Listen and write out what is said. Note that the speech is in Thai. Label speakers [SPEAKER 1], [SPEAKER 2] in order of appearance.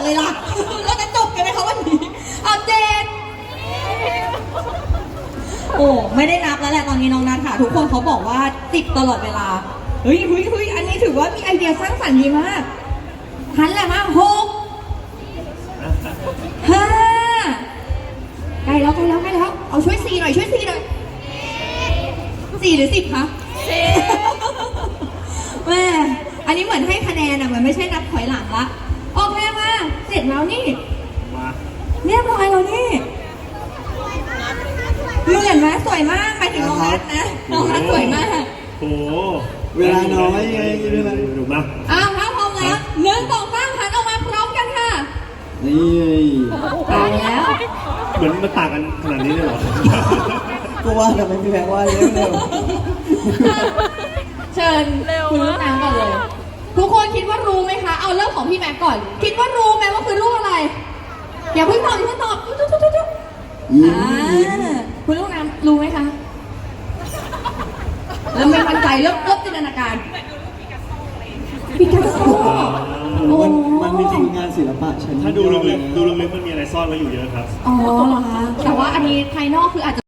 [SPEAKER 1] เลยล่ะเราจะจบกันไหมคะวันนี้เอาเจ็ดโอ้ไม่ได้นับแล้วแหละตอนนี้น้องนัทค่ะทุกคนเขาบอกว่า10ตลอดเวลาเฮ้ยอันนี้ถือว่ามีไอเดียสร้างสรรค์ดีมากหันแหละมา6 5ใกล้แล้วเอาช่วย4หน่อย4หรือ10คะแม่อันนี้เหมือนให้คะแนนอ่ะเหมือนไม่ใช่นับถอยหลังละโอเคมาเสร็จแล้วนี่เรียบร้อยแล้วนี่เหมือนไหมสวยมากไปถึงน้องนัทนะน้องนัทสวยมาก
[SPEAKER 2] โอ้
[SPEAKER 3] เวลาน้อยไงเวลา
[SPEAKER 2] ดูมา
[SPEAKER 1] ถ้าพร้อมแล้ว1 2 3หันออกมาพร้อมกันค่ะ
[SPEAKER 3] นี่
[SPEAKER 1] ตายแล้ว
[SPEAKER 2] เหมือนมันต่างกันขนาดนี้เลยเหรอ
[SPEAKER 3] ก็ว่าทำไมพี่แพงว่าเร็ว
[SPEAKER 1] เชิญคุณลูกน้ำก่อนเลยทุกคนคิดว่ารู้ไหมคะเอาเริ่มของพี่แม็กก่อนคิดว่ารู้ไหมว่าคือรูปอะไรอย่าเพิ่งตอบจุ๊บคุณลูกน้ำรู้ไหมคะเริ่มไม่มั่นใจเริ่มจินตนาการปิกัสโซ
[SPEAKER 3] มันมีทีมงานศิลปะชั้น
[SPEAKER 2] ถ้าดูลึกๆมันมีอะไรซ่อนไว้อยู่เยอะครับ
[SPEAKER 1] อ๋อเหรอคะแต่ว่าอันนี้ภายนอกคืออาจจะ